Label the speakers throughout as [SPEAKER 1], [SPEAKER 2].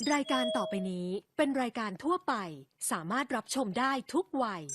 [SPEAKER 1] รายการต่อไปนี้เป็นรายการทั่วไปสามารถรับชมได้ทุกวัย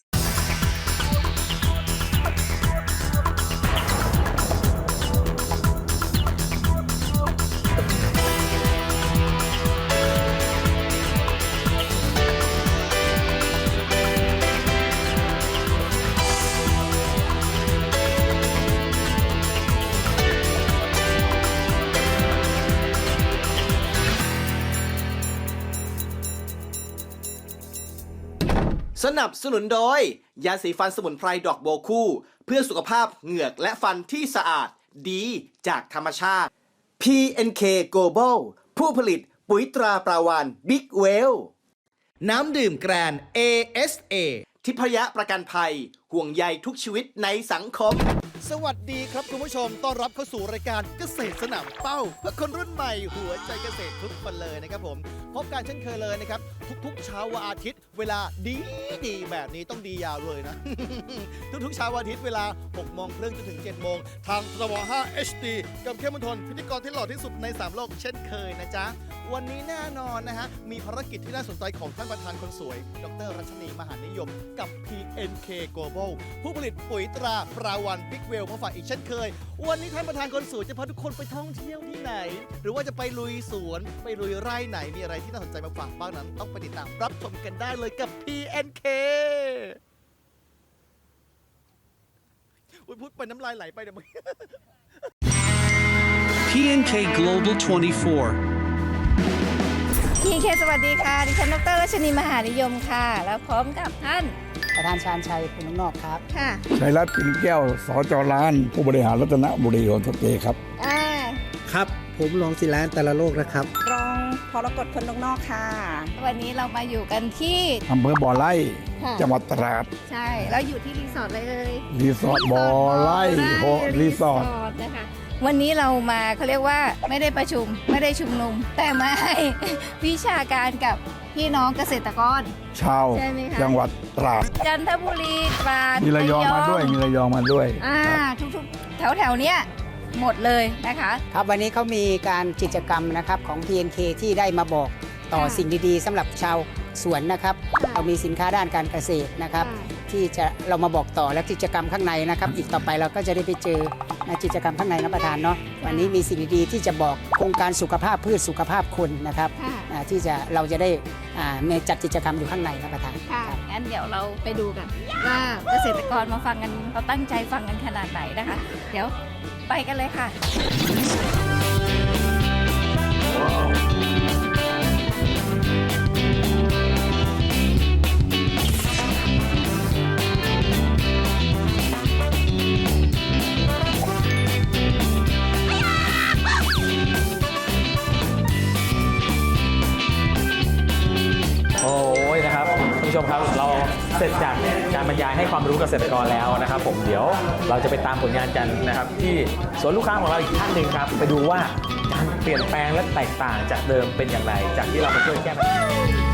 [SPEAKER 2] สนับสนุนโดยยาสีฟันสมุนไพรดอกโบวคู่เพื่อสุขภาพเหงือกและฟันที่สะอาดดีจากธรรมชาติ PNK Global ผู้ผลิตปุ๋ยตราปราวานบิ๊กเวลน้ำดื่มแกรน ASA ทิพยประกันภัยห่วงใยทุกชีวิตในสังคมสวัสดีครับคุณผู้ชมต้อนรับเข้าสู่รายการเกษตรสนามเป้าเพื่อคนรุ่นใหม่หัวใจเกษตรทุกคนเลยนะครับผมพบกันเช่นเคยเลยนะครับทุกๆเช้าวันอาทิตย์เวลาดีแบบนี้ต้องดียาวเลยนะ ทุกๆเช้าวันอาทิตย์เวลา 6:30 จนถึง 7:00 ทางทบ5 HD กับเข้มมนทนพิธีกรที่หล่อที่สุดใน3โลกเช่นเคยนะจ๊ะวันนี้แน่นอนนะฮะมีภารกิจที่น่าสนใจของท่านประธานคนสวยดร.รัชนีมหานิยมกับ PNK Global ผู้ผลิตปุ๋ยตราปราวันบิ๊กเวลมาฝากอีกเช่นเคยวันนี้ท่านประธานคนสวยจะพาทุกคนไปท่องเที่ยวที่ไหนหรือว่าจะไปลุยสวนไปลุยไร่ไหนมีอะไรที่น่าสนใจมาฝากบ้างนั้นต้องไปติดตามรับชมกันได้เลยกับ PNK พูดไปน้ำลายไหลไปเดี๋ยวมึง
[SPEAKER 3] PNK Global 24
[SPEAKER 4] PNK สวัสดีค่ะดิฉันดร.รัชนีมหานิยมค่ะแล้วพร้อมกับท่าน
[SPEAKER 5] ประธานชาญชัยคุณนอกครับ
[SPEAKER 4] ค่ะ
[SPEAKER 6] ชัยรัตน์ปิ่นแก้วสจ.ร้านผู้บริหารรัตนบุรีโฮมสเตย์ครับ
[SPEAKER 5] ครับ ผมรองศิลาแต่ละโลกนะครับ
[SPEAKER 7] รองพรกฎคนนอกค่ะ
[SPEAKER 4] วันนี้เรามาอยู่กันที่
[SPEAKER 6] อำเภอบ่อไร่
[SPEAKER 4] ค่ะ
[SPEAKER 6] จังหวัดตราด
[SPEAKER 4] ใช่แล้วอยู่ที่รีสอร์ทเลย
[SPEAKER 6] รีสอร์ทบ่อไร่โฮรีสอร์ท
[SPEAKER 4] นะคะวันนี้เรามาเขาเรียกว่าไม่ได้ประชุมไม่ได้ชุมนุม แต่มาให้ วิชาการกับพี่น้องเกษตรกร
[SPEAKER 6] ชาว
[SPEAKER 4] ใช่ไหมคะ
[SPEAKER 6] จังหวัดตราด
[SPEAKER 4] จันทบุรีตราด
[SPEAKER 6] มีระยองมาด้วยมีระยองมาด้วย
[SPEAKER 4] ทุกๆแถวๆเนี้ยหมดเลยนะคะ
[SPEAKER 5] ครับวันนี้เขามีการกิจกรรมนะครับของ PNK ที่ได้มาบอกต่อ
[SPEAKER 4] ค่ะ
[SPEAKER 5] สิ่งดีๆสำหรับชาวสวนนะครับ
[SPEAKER 4] ค่ะ
[SPEAKER 5] เรามีสินค้าด้านการเกษตรนะครับ ที่จะเรามาบอกต่อและกิจกรรมข้างในนะครับ อีกต่อไปเราก็จะได้ไปเจอกิจกรรมข้างในนะประธานเนาะวันนี้มีสิ่งดีๆที่จะบอกโครงการสุขภาพพืชสุขภาพคนนะครับ
[SPEAKER 4] ค่ะ
[SPEAKER 5] ที่เราจะได้มีจัดกิจกรรมอยู่ข้างในนะประธาน
[SPEAKER 4] ค่ะ
[SPEAKER 5] ครับ
[SPEAKER 4] งั้นเดี๋ยวเราไปดูกันว่าเกษตรกรมาฟังกันเขาตั้งใจฟังกันขนาดไหนนะคะ เดี๋ยวไปกันเลยค่ะ
[SPEAKER 8] โอ้ยนะครับคุณผู้ชมครับเราเสร็จจากการบรรยายให้ความรู้เกษตรกรแล้วนะครับผมเดี๋ยวเราจะไปตามผลงานกันนะครับที่สวนลูกค้าของเราอีกท่านหนึ่งครับไปดูว่าการเปลี่ยนแปลงและแตกต่างจากเดิมเป็นอย่างไรจากที่เรามาช่วยแก้ปัญหา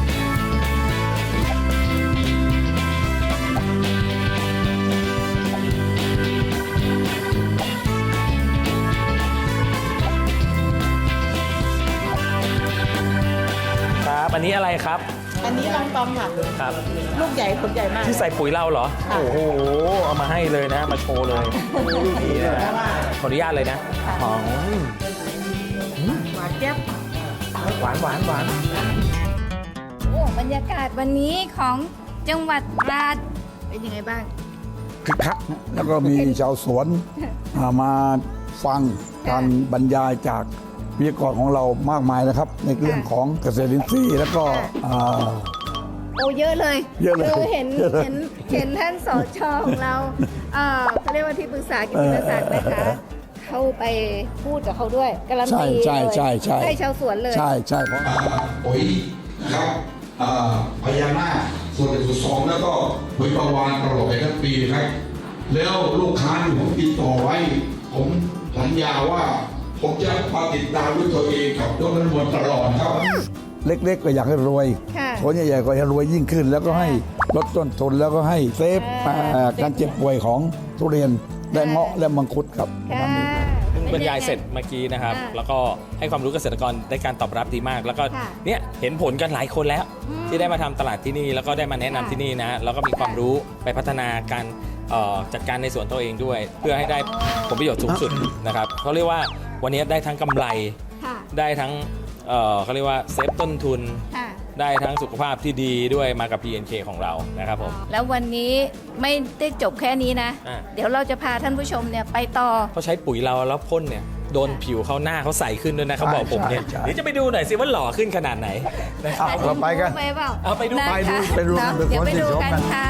[SPEAKER 8] ครับอันนี้อะไรครับ
[SPEAKER 7] อันนี้ลองตอมค่ะ
[SPEAKER 8] ครับ
[SPEAKER 7] ลูกใหญ่ผลใหญ่มาก
[SPEAKER 8] ที่ใส่ปุ๋ยเราเหรอ โอ้โห เอามาให้เลยนะ มาโชว์เลยนี่นะฮะขออนุญาตเลยนะหอม
[SPEAKER 7] หวานแก๊บ
[SPEAKER 8] หวานหวานหวาน
[SPEAKER 4] โอ้บรรยากาศวันนี้ของจังหวัดตราดเป็นยังไงบ้าง
[SPEAKER 6] คึกคักนะแล้วก็มีชาวสวนมาฟังการบรรยายจากวิทยากรของเรามากมายนะครับ ในเรื่องของเกษตรอินทรีย์แล้วก็า
[SPEAKER 4] โอ้เยอะเลย
[SPEAKER 6] เยอะเลย
[SPEAKER 4] คือเห็น
[SPEAKER 6] เยอะเลย
[SPEAKER 4] เห็นท่านสชของเราเขาเรียกว่าที่ปรึกษากิตติมศักดิ์นะคะเข้าไปพูดกับเขาด้วยการันตี
[SPEAKER 6] ใช่
[SPEAKER 4] เลย
[SPEAKER 6] ใช่ใช่
[SPEAKER 4] ให้ชาวสวนเลย
[SPEAKER 6] ใช่ใช่เพราะ
[SPEAKER 9] ปุ๋ยนะครับพญานาคส่วนหนึ่งส่วนสองแล้วก็ปุ๋ยประวานตลอดไปทั้งปีนะครับ แล้วลูกค้าที่ผมติดต่อไว้ ผมสัญญาว่าผมจะมาติดตามด้วยตัวเองกับดร.นวลตลอดครับ
[SPEAKER 6] เล็กๆก็อยากให้รวย
[SPEAKER 4] ค่ะ
[SPEAKER 6] ผลใหญ่ๆก็จะรวยยิ่งขึ้น แล้วก็ให้ลดต้นทุนแล้วก็ให้เซฟการเจ็บป่วยของทุเรียนและเงาะและมังคุดครับ
[SPEAKER 4] ค่ะ
[SPEAKER 8] ครึ่งบรรยายเสร็จเมื่อกี้นะครับ แล้วก็ให้ความรู้เกษตรกรได้การตอบรับดีมาก แล้วก็เนี่ยเห็นผลกันหลายคนแล้ว ที่ได้มาทำตลาดที่นี่แล้วก็ได้มาแนะนำที่นี่นะแล้วก็มีความรู้ไปพัฒนาการจัดการในสวนตัวเองด้วย เพื่อให้ได้ผลประโยชน์สูงสุดนะครับเขาเรียกว่าวันนี้ได้ทั้งกำไรได้ทั้งเขาเรียกว่าเซฟต้นทุนได้ทั้งสุขภาพที่ดีด้วยมากับ PNK ของเรานะครับผม
[SPEAKER 4] แล้ววันนี้ไม่ได้จบแค่นี้นะ เดี๋ยวเราจะพาท่านผู้ชมเนี่ยไปต่อ
[SPEAKER 8] เขาใช้ปุ๋ยเราแล้วพ่นเนี่ยโดนผิวเขาหน้าเขาใสขึ้นด้วยนะเขาบอกผมเนี่ย
[SPEAKER 6] ใช่
[SPEAKER 8] เดี๋ยวจะไปดูหน่อยสิว่าหล่อขึ้นขนาดไหนนะครับ
[SPEAKER 6] เราไปกัน
[SPEAKER 4] ไปเปล่า
[SPEAKER 8] เอาไปดู
[SPEAKER 4] นะคะ
[SPEAKER 6] ไปดู
[SPEAKER 4] เนาะ
[SPEAKER 6] ไปดู
[SPEAKER 4] เดี๋ยวไปดู
[SPEAKER 6] ไปดู
[SPEAKER 4] กัน
[SPEAKER 6] กัน
[SPEAKER 4] ค่ะ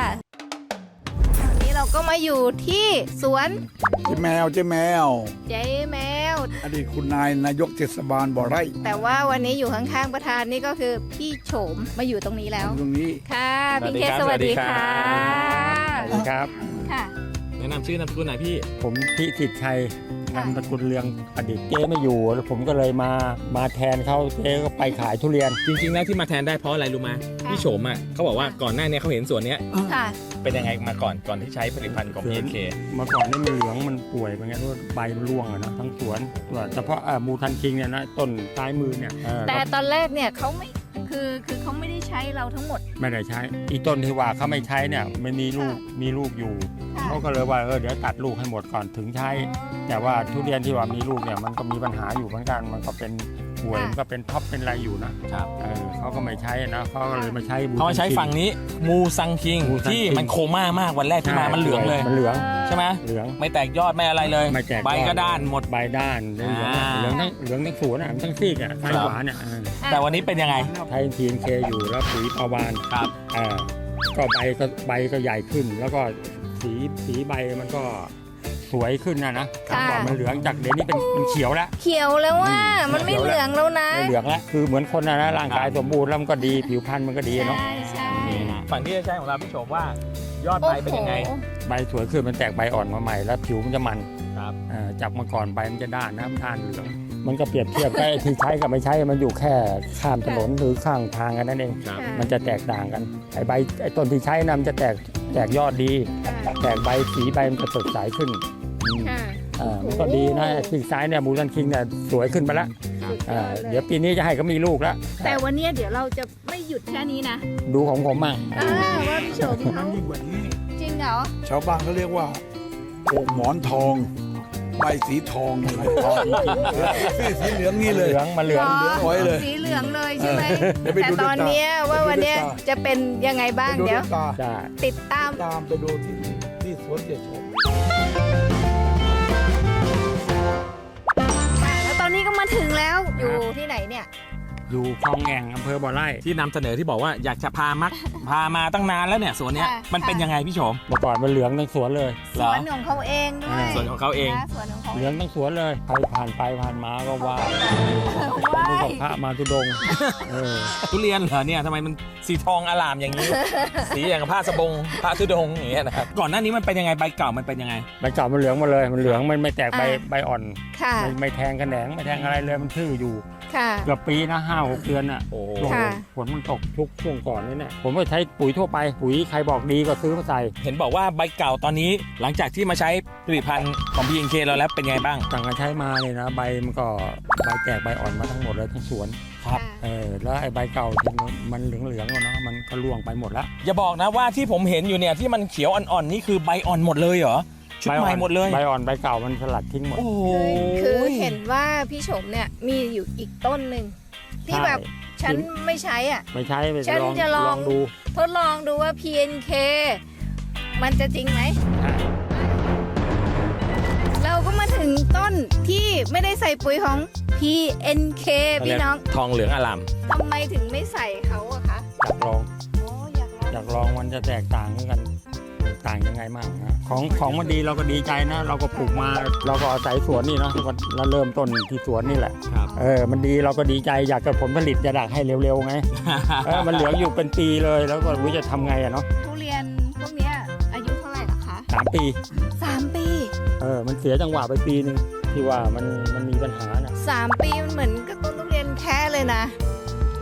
[SPEAKER 4] วันนี้เราก็มาอยู่ที่สวน
[SPEAKER 6] เจ๊แมว
[SPEAKER 4] เจ๊แมว
[SPEAKER 6] อดีตคุณนายกเทศบาลบ่อไร่
[SPEAKER 4] แต่ว่าวันนี้อยู่ข้างๆประธานนี่ก็คือพี่โฉมมาอยู่ตรงนี้แล้ว
[SPEAKER 6] ตรงนี้
[SPEAKER 4] ค่ะพี่เคสวัสดีค่ะ
[SPEAKER 10] สวัสดีครับ
[SPEAKER 4] ค่ะ
[SPEAKER 8] แนะนำชื่อนามสกุลหน่อยพี่
[SPEAKER 10] ผมพิสิทธิ์ชัยนามสกุลเรืองประดิษฐ์เจ๊ไม่อยู่แล้วผมก็เลยมาแทนเขาเจ๊ก็ไปขายทุเรียน
[SPEAKER 8] จริงๆแล้วที่มาแทนได้เพราะอะไรรู้ไหมพี่โฉมอ่ะเขาบอกว่าก่อนหน้านี้เขาเห็นสวนเนี้ย
[SPEAKER 4] ค่ะ
[SPEAKER 8] เป็นยังไงมาก่อนที่ใช้ผลิตภัณฑ์ของ PNK
[SPEAKER 10] เมื่อก่อนนี่มันเหลืองมันป่วยเป็นไงด้วยใบมันร่วงอะนะทั้งสวนเฉพาะมูทันคิงเนี่ยนะต้นซ้ายมือเนี่ย
[SPEAKER 4] แต่ตอนแรกเนี่ยเขาไม่คือเขาไม่ได้ใช้เราทั้งหมด
[SPEAKER 10] ไม่ได้ใช้อีต้นที่ว่าเขาไม่ใช้เนี่ยมันมีลูกอยู่เขาก็เลยว่าเดี๋ยวตัดลูกให้หมดก่อนถึงใช้ แต่ว่าทุเรียนที่ว่ามีลูกเนี่ยมันก็มีปัญหาอยู่เหมือนกันมันก็เป็นป่วยมันก็เป็นท็อปเป็นอะไรอยู่นะครับเขาก็ไม่ใช้นะเขาก็เลยมาใช้
[SPEAKER 8] เขามาใช้ฝั่งนี้มูซังคิงที่มันโคม่ามากวันแรกที่มามันเหลืองเลย
[SPEAKER 10] มันเหลือง
[SPEAKER 8] ใช่ไหม
[SPEAKER 10] เหลือง
[SPEAKER 8] ไม่แตกยอดไม่อะไรเลย
[SPEAKER 10] ไม่แตก
[SPEAKER 8] ใบก็ด้านหมด
[SPEAKER 10] ใบด้านเหลืองทั้งสวนทั้งซีกซ้ายขวาเนี่ย
[SPEAKER 8] แต่วันนี้เป็นยังไง
[SPEAKER 10] ไทยทีนเคอยู่แล้วปุ๋ยปาวาน
[SPEAKER 8] ครับ
[SPEAKER 10] ก็ใบก็ใหญ่ขึ้น แล้วก็สีใบมันก็สวยขึ้นนะก่อนมันเหลืองจากเดี๋ยวนี้เป็นเขียวแล้ว
[SPEAKER 4] เขียวแล้วว่ามันไม่เหลืองแล้วนะ
[SPEAKER 10] ไม่เหลืองแล้วคือเหมือนคนนะร่างกายสมบูรณ์แล้วมันก็ดีผิวพรรณมันก็ดีเนาะ
[SPEAKER 4] ใช่
[SPEAKER 8] ฝั่งที่จะใช้ของเราพี่โฉมว่ายอดใบเป็นยังไง
[SPEAKER 10] ใบสวยขึ้นมันแตกใบอ่อนมาใหม่แล้วผิวมันจะมัน
[SPEAKER 8] ครับ
[SPEAKER 10] จากเมื่อก่อนใบมันจะด้านน้ำด้านเหลืองมันก็เปรียบเทียบกับไอ้ที่ใช้กับไม่ใช้มันอยู่แค่ข้ามถนนหรือข้างทางกันนั่นเอง
[SPEAKER 8] ครับ
[SPEAKER 10] มันจะแตกต่างกันไอ้ต้นที่ใช้นะมันจะแตกยอดดี แตกใบสีใบมันจะสดใสขึ้น มันก็ดีนะซีกซ้ายเนี่ยมูซันคิงเนี่ยสวยขึ้นไปแล้วเดี๋ยวปีนี้จะให้เขามีลูกแล้ว
[SPEAKER 4] แต่วันนี้เดี๋ยวเราจะไม่หยุดแค่นี้นะ
[SPEAKER 10] ดูของผมมั่ง
[SPEAKER 4] ว่าพี่โฉมเขา
[SPEAKER 6] ยิ่งกว่านี้
[SPEAKER 4] จริงเหรอ
[SPEAKER 6] ชาวบ้านเขาเรียกว่าโอ่งหมอนทอง ใบสีทองอะไรสีเหลืองนี่เลย
[SPEAKER 10] เหลืองมาเหลือง
[SPEAKER 6] ไว้เลย
[SPEAKER 4] สีเหลืองเลยใช่ไหม
[SPEAKER 6] เดี๋ยวไป
[SPEAKER 4] แต่
[SPEAKER 6] ดู
[SPEAKER 4] ตอนเนี้ยว่าวันเนี้ยจะเป็นยังไงบ้าง
[SPEAKER 6] ไปดู
[SPEAKER 4] เดี๋ยว
[SPEAKER 6] ด้วยตา
[SPEAKER 10] จ้า
[SPEAKER 4] ติดตาม
[SPEAKER 6] ตามไปดูที่สวนเจ็ดชม
[SPEAKER 4] แล้วตอนนี้ก็มาถึงแล้วอยู่ที่ไหนเนี่ย
[SPEAKER 10] อยู่คลองแอ่งอำเภอบ่อไร่
[SPEAKER 8] ที่นำเสนอที่บอกว่าอยากจะพามาตั้งนานแล้วเนี่ยสวนเนี้ย
[SPEAKER 4] ค่ะ
[SPEAKER 8] มันเป็นยังไงพี่โฉม
[SPEAKER 10] เมื่อก่อนมันเหลืองทั้งสวนเลย
[SPEAKER 4] สวนของเขาเองด้วย
[SPEAKER 8] สวนของเขาเอง
[SPEAKER 4] นะสวนของเขา
[SPEAKER 10] เหลืองทั้งสวนเลยใครผ่านไปผ่านมาก็ว่า
[SPEAKER 4] ว้า
[SPEAKER 10] ดู
[SPEAKER 4] ย
[SPEAKER 10] กับพระมาทุดงค์
[SPEAKER 8] ทุเรียนเหรอเนี่ยทำไมมันสีทองอลามอย่างนี้ สีอย่างกับผ้าสบงผ้าทุดงค์อย่างเงี้ยนะครับก่อนหน้านี้มันเป็นยังไงใบเก่ามันเป็นยังไง
[SPEAKER 10] ใบเก่ามันเหลืองหมาเลยมันเหลืองมันไม่แตกใบอ่อน
[SPEAKER 4] ค่ะ
[SPEAKER 10] ไม่แทงกระแหนงไม่แทงอะไรเลยมันทื่ออยู่
[SPEAKER 4] ค่ะ
[SPEAKER 10] เกือบปีนะ5-6 เดือนอ่ะ
[SPEAKER 8] โอ้โห
[SPEAKER 10] ช่วง
[SPEAKER 4] ค่ะ
[SPEAKER 10] ฝนมันตกทุกช่วงก่อนนี่แหละผมก็ใช้ปุ๋ยทั่วไปปุ๋ยใครบอกดีก็ซื้อมาใส่
[SPEAKER 8] เห็นบอกว่าใบเก่าตอนนี้หลังจากที่มาใช้ผลิตภัณฑ์ของ PNK เราแล้วเป็นไงบ้าง
[SPEAKER 10] ต่างกันใช้มาเลยนะใบมันก็ใบแตกใบอ่อนมาทั้งหมดเลยทั้งสวน
[SPEAKER 8] ครับ
[SPEAKER 10] แล้วไอ้ใบเก่าที่มันเหลืองๆเนาะมันก็ร่วงไปหมดแล้ว
[SPEAKER 8] อย่าบอกนะว่าที่ผมเห็นอยู่เนี่ยที่มันเขียวอ่อนๆนี่คือใบอ่อนหมดเลยเหรอชุดใหม่หมดเลย
[SPEAKER 10] ใบอ่อนใบเก่ามันสลัดทิ้งหมด
[SPEAKER 8] โอ้โห
[SPEAKER 4] คือเห็นว่าพี่ชมเนี่ยมีอยู่อีกต้นหนึ่งที่แบบฉันไม่ใช้อ่ะ
[SPEAKER 10] ไม่ใช้ไป
[SPEAKER 4] ฉันจะลอง
[SPEAKER 10] ดู
[SPEAKER 4] ทดลองดูว่า PNK มันจะจริงไหม เราก็มาถึงต้นที่ไม่ได้ใส่ปุ๋ยของ PNK พี่น้อง
[SPEAKER 8] ทองเหลืองอลาม
[SPEAKER 4] ทำไมถึงไม่ใส่เขาอะคะ
[SPEAKER 10] อยากลอง
[SPEAKER 4] โอ้อยากลอง
[SPEAKER 10] อยากลองมันจะแตกต่างกันต่างยังไงบ้างนะของมันดีเราก็ดีใจนะ เราก็ปลูกมาเราก็อาศัยสวนนี่เนาะเราเริ่มต้นที่สวนนี่แหละ
[SPEAKER 8] ครับ
[SPEAKER 10] มันดีเราก็ดีใจอยากจะผลผลิตจะดักให้เร็วๆไง มันเหลืองอยู่เป็นปีเลยแล้วก็รู้จะทำไงอะเนาะ
[SPEAKER 4] ทุเรียนพวกเนี้ยอายุเท่าไหร่ล่ะคะ
[SPEAKER 10] 3 ปี
[SPEAKER 4] 3 ปี
[SPEAKER 10] มันเสียจังหวะไปปีนึงที่ว่ามันมีปัญหานะ
[SPEAKER 4] 3 ปีมันเหมือนกับต้นทุเรียนแค่เลยนะ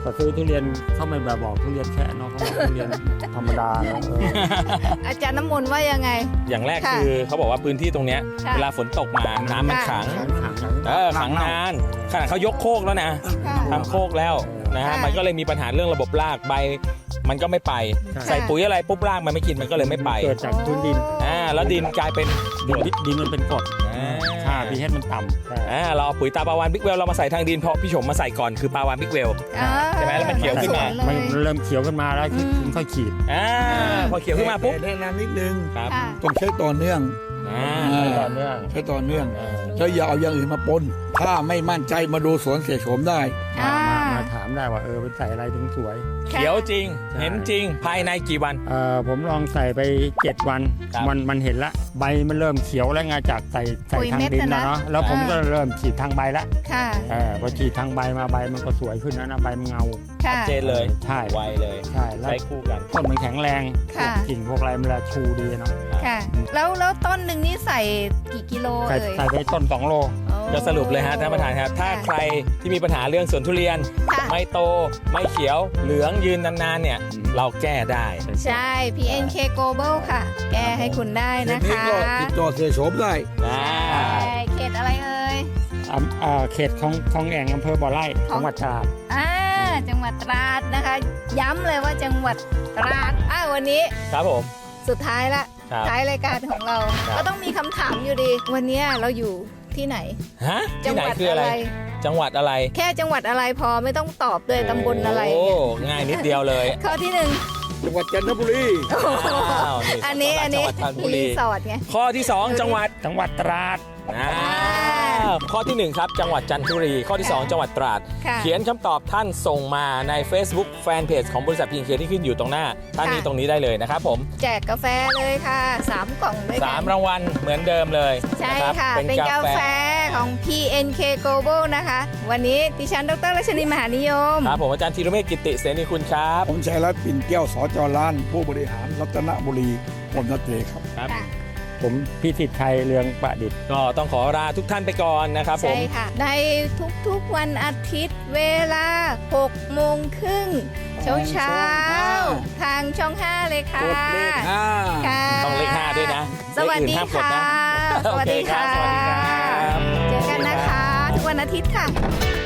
[SPEAKER 10] ก็ซื้อทุเรียนเขาไม่แบบบอกทุเรียนแค่เนาะเขาบอกทุเรียนธรรมดาเนาะ
[SPEAKER 4] อาจารย์น้ำมนต์ว่ายังไง
[SPEAKER 8] อย่างแรก
[SPEAKER 4] ค่ะ
[SPEAKER 8] คือเขาบอกว่าพื้นที่ตรงเนี้ย
[SPEAKER 4] ค่ะ
[SPEAKER 8] เวลาฝนตกมาน้ำมันขังขังนานขนาดเขายกโคกแล้วนะ
[SPEAKER 4] ค่ะ
[SPEAKER 8] ทำโคกแล้วนะฮะ
[SPEAKER 4] ค่ะ
[SPEAKER 8] มันก็เลยมีปัญหาเรื่องระบบรากใบ มันก็ไม่ไป ใส่ปุ๋ยอะไรปุ๊บรากมันไม่กินมันก็เลยไม่ไป
[SPEAKER 10] เกิดจากพื้นดิน
[SPEAKER 8] แล้วดินกลายเป็น
[SPEAKER 10] ดินมันเป็นกรดค่า pH มันต่ำ
[SPEAKER 8] เราเอาปุ๋ยตาปลาวานบิ๊กเวลเรามาใส่ทางดินเพราะพี่ชมมาใส่ก่อนคือปลาวานบิ๊กเวล ใช่ไหมแล้วมันเขียวขึ้นมา
[SPEAKER 10] มันเริ่มเขียวขึ้นมาแล้วถึงค่อยขีด
[SPEAKER 8] พอเขียวขึ้นมาปุ๊บ
[SPEAKER 6] แนะนำนิดนึง
[SPEAKER 8] ครับ
[SPEAKER 4] ค่ะ
[SPEAKER 6] ต้องใช้ต่อเนื่อง
[SPEAKER 10] ต่อเนื่อง
[SPEAKER 6] ใช้ต่อเนื่องแล้วอย่าเอาอย่างอื่นมาปนถ้าไม่มั่นใจมาดูสวนเสียโฉมได้
[SPEAKER 10] มาถามได้ว่าเป็นใส่อะไรถึงสวย
[SPEAKER 8] เขียวจริง เห็นจริงภายในกี่วัน
[SPEAKER 10] ผมลองใส่ไป 7 วัน
[SPEAKER 8] ครับ
[SPEAKER 10] มันเห็นละใบมันเริ่มเขียวแล้วไงจากใส่
[SPEAKER 4] ปุ๋ย
[SPEAKER 10] ทาง
[SPEAKER 4] เม็ด
[SPEAKER 10] ดิน
[SPEAKER 4] น่ะ
[SPEAKER 10] แล้ว
[SPEAKER 4] นะ
[SPEAKER 10] เนาะแล้วผมก็เริ่มฉีดทางใบละ
[SPEAKER 4] ค่ะ
[SPEAKER 10] พอฉีดทางใบมาใบมันก็สวยขึ้นแล้วนะใบมันเงา
[SPEAKER 4] ค่ะ
[SPEAKER 8] เจนเลย
[SPEAKER 10] ใช่
[SPEAKER 8] ไวเลย
[SPEAKER 10] ใช่แล้ว
[SPEAKER 8] ใช้คู่กัน
[SPEAKER 10] ต้นมันแข็งแรง
[SPEAKER 4] ค่ะ
[SPEAKER 10] พวกกิ่งพวกอะไรมันละชูดีเนาะ
[SPEAKER 4] ค่ะ แล้วต้นหนึ่งนี่ใส่กี่กิโล
[SPEAKER 10] ใส่
[SPEAKER 4] เอ่ย
[SPEAKER 10] ใส่ไปต้น 2 โล
[SPEAKER 8] ก็สรุปเลยฮะท่านประธานครับ ถ้าใครที่มีปัญหาเรื่องสวนทุเรียน
[SPEAKER 4] ค่ะ
[SPEAKER 8] ไม่โตไม่เขียวเหลืองยืนนานๆเนี่ย เราแก้ได้
[SPEAKER 4] ใช่ PNK Global ค่ะ แก้ให้คุณได้
[SPEAKER 6] ที
[SPEAKER 4] นะ
[SPEAKER 6] นี้
[SPEAKER 4] คะ
[SPEAKER 6] ก็ติดต่อเสียโฉมได้
[SPEAKER 4] ใช่เขตอะไรเอ่ย
[SPEAKER 10] เขตของแอ่งอำเภอบ่อไร่
[SPEAKER 4] ของ
[SPEAKER 10] จังหวัดตราด
[SPEAKER 4] จังหวัดตราดนะคะ ย้ำเลยว่าจังหวัดตราดวันนี้
[SPEAKER 8] ครับผม
[SPEAKER 4] สุดท้ายละ
[SPEAKER 8] ครับ
[SPEAKER 4] ท้ายรายการของเรา
[SPEAKER 8] ครับ
[SPEAKER 4] ก็ต้องมีคำถามอยู่ดี วันนี้เราอยู่ที่ไหน
[SPEAKER 8] ฮะ
[SPEAKER 4] จั
[SPEAKER 8] ที่ไหน
[SPEAKER 4] หวัด
[SPEAKER 8] คืออะไร จังหวัดอะไร
[SPEAKER 4] แค่จังหวัดอะไรพอไม่ต้องตอบด้วยตำบลอะไร
[SPEAKER 8] โอ้ง่ายนิดเดียวเลย
[SPEAKER 4] ข้อที่หนึ่ง
[SPEAKER 6] จังหวัดจันทบุรี
[SPEAKER 8] อ้าว
[SPEAKER 4] อันนี้
[SPEAKER 8] จังหวัดจันทบุรี
[SPEAKER 4] รีสอร์ทไง
[SPEAKER 8] ข้อที่ 2 จังหวัด
[SPEAKER 10] ตราด
[SPEAKER 8] ข้อที่ 1 ครับ จังหวัดจันทบุรี ข้อที่ 2 จังหวัดตราด
[SPEAKER 4] ค่ะ
[SPEAKER 8] เขียนคำตอบท่านส่งมาใน Facebook Fanpage ของบริษัทพีเคที่ขึ้นอยู่ตรงหน้า ท่านนี้ตรงนี้ได้เลยนะครับผม
[SPEAKER 4] แจกกาแฟเลยค่ะ3กล่องด้วยกัน
[SPEAKER 8] 3 รางวัลเหมือนเดิมเลย
[SPEAKER 4] ใช่
[SPEAKER 8] นรับ
[SPEAKER 4] ค่ะ เป็นกาแฟของ PNK Global นะคะ วันนี้ดิฉันดรรัชนีมหานิยม
[SPEAKER 8] ครับผมอาจารย์ธีรเมฆกิติเสนีคุณครับ
[SPEAKER 6] ผมชัยรัตน์ปิ่นแก้วสจล้าน ผู้บริหารรัตนบุรีผมนัทเตครับ
[SPEAKER 8] ครับ
[SPEAKER 10] ผมพิสิทธิ์ชัยเรืองประดิษฐ์
[SPEAKER 8] ก็ต้องขอลาทุกท่านไปก่อนนะครับผม
[SPEAKER 4] ใช่ค่ะ ในทุกๆวันอาทิตย์เวลา6 โมงครึ่งเช้าทางช่อง 5 เลยค่ะ
[SPEAKER 6] กดเลขห้า
[SPEAKER 4] ค่ะ
[SPEAKER 8] ต้องเลข5ด้วยนะ
[SPEAKER 4] สวัสดี
[SPEAKER 8] เลขอื่นห้ามกด
[SPEAKER 4] ค่ะ
[SPEAKER 8] นะ
[SPEAKER 4] สวัสดีค่ะ
[SPEAKER 8] โอเคครับสวัสดีครับ
[SPEAKER 4] เจอกันนะคะ ทุกวันอาทิตย์ค่ะ